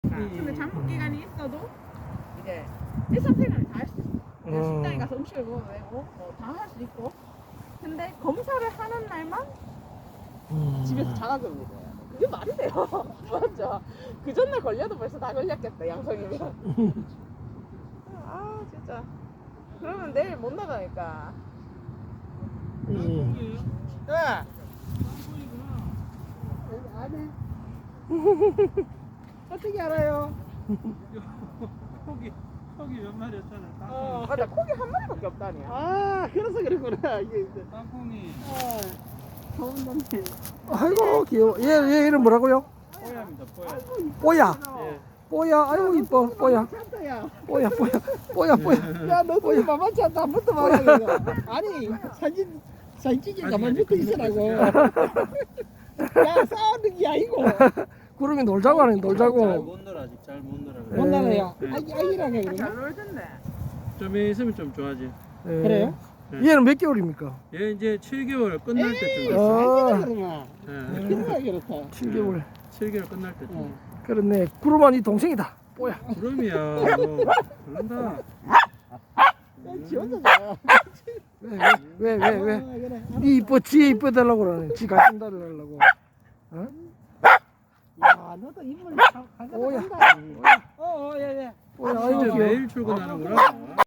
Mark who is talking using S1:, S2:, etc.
S1: 근데 잠복 기간이 있어도 이제 일상생활을 다 할 수 있어. 그냥 식당에 가서 음식을 먹어도 되고 뭐 다 할 수 있고. 근데 검사를 하는 날만 집에서 자가격리 돼요. 그게 말이 돼요. 맞죠? 그 전날 걸려도 벌써 다 걸렸겠다, 양성이면. 아, 진짜. 그러면 내일 못 나가니까.
S2: 예. 아니. 어떻게 알아요?
S3: 고기 몇 마리였잖아.
S1: 맞아. 고기 한 마리밖에 없다니야.
S2: 아, 그래서 그랬구나. 이게 이제.
S3: 땅콩이
S2: 좋은 놈이.
S4: 아이고 귀여워. 얘 이름 뭐라고요?
S3: 뽀야입니다. 뽀야.
S4: 뽀야.
S3: 예.
S4: 뽀야. 아이고 이뻐. 뽀야.
S2: 찬다야.
S4: 뽀야. 뽀야. 뽀야.
S2: 야, 너도 이 만만치 않다. 안 붙어 봐라. 이거. 아니, 사진 찍기 가만 붙어 있으라고. 야, 싸우는 게 아니고.
S4: 구름이 놀자고 하네. 놀자고.
S3: 잘못 놀아 아직 잘 못 놀아.
S4: 네.
S2: 못 나가요.
S3: 네.
S2: 아기라게
S1: 잘
S2: 그러나?
S1: 놀던데.
S3: 좀 있으면 좀 좋아지.
S4: 예.
S2: 그래요?
S4: 얘는 몇 개월입니까?
S3: 얘 이제 7개월 끝날 때쯤
S4: 어.
S3: 됐어.
S2: 아기라 그러나?
S3: 예.
S2: 그러나 그렇다.
S4: 7개월.
S3: 7개월 끝날 때쯤.
S2: 어.
S4: 그렇네. 구름아 네 동생이다. 뽀야.
S3: 그럼이야. 그런다.
S2: 지 혼자 자.
S4: 왜?
S2: 그래.
S4: 니 이뻐. 지 이뻐달라고 그러네. 지 같은 달을 하려고. 어?
S2: 야, 너도 인물
S4: 오야.
S2: 한다. 예.
S4: 뽀야. 아이고
S3: 진짜
S4: 귀여워.
S3: 매일 출근하는구나.